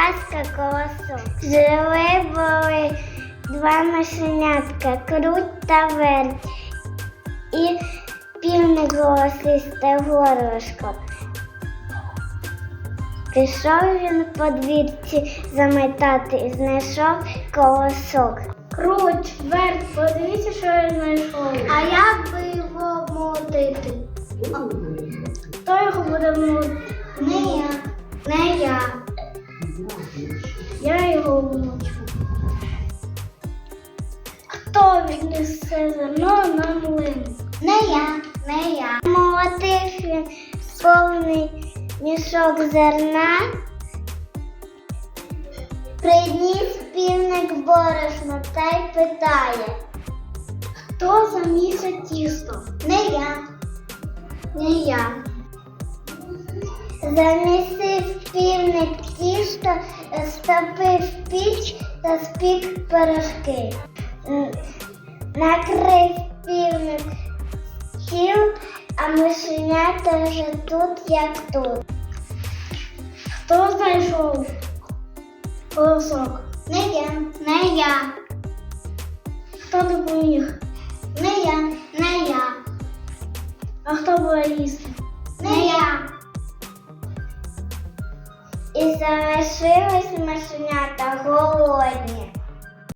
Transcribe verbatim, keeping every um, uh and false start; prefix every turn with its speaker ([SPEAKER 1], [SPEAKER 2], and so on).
[SPEAKER 1] казка колосок. Жили були два мишенятка, круть та верть. І півник голосисте горлышко. Пішов він по двірці заметати і знайшов колосок.
[SPEAKER 2] Круть, верть, подивіться, що я знайшов.
[SPEAKER 1] А як би його молотити?
[SPEAKER 2] Хто його буде молотити?
[SPEAKER 1] Не я. Не я.
[SPEAKER 2] Я його вмочу. Хто віднесе зерно на млин?
[SPEAKER 1] Не я. Не я. Молотив він повний мішок зерна. Приніс півник борошно та й питає.
[SPEAKER 2] Хто замісить тісто?
[SPEAKER 1] Не я. Не я. Замісив півник тісто, стопив піч та спік пирожки. Н- Накрив півник стіл, а мишенята вже тут, як тут.
[SPEAKER 2] Хто знайшов колосок?
[SPEAKER 1] Не я. Не я.
[SPEAKER 2] Хто допоміг?
[SPEAKER 1] Не я. Не я.
[SPEAKER 2] А хто буде їсти?
[SPEAKER 1] Не я. І залишились мишенята голодні.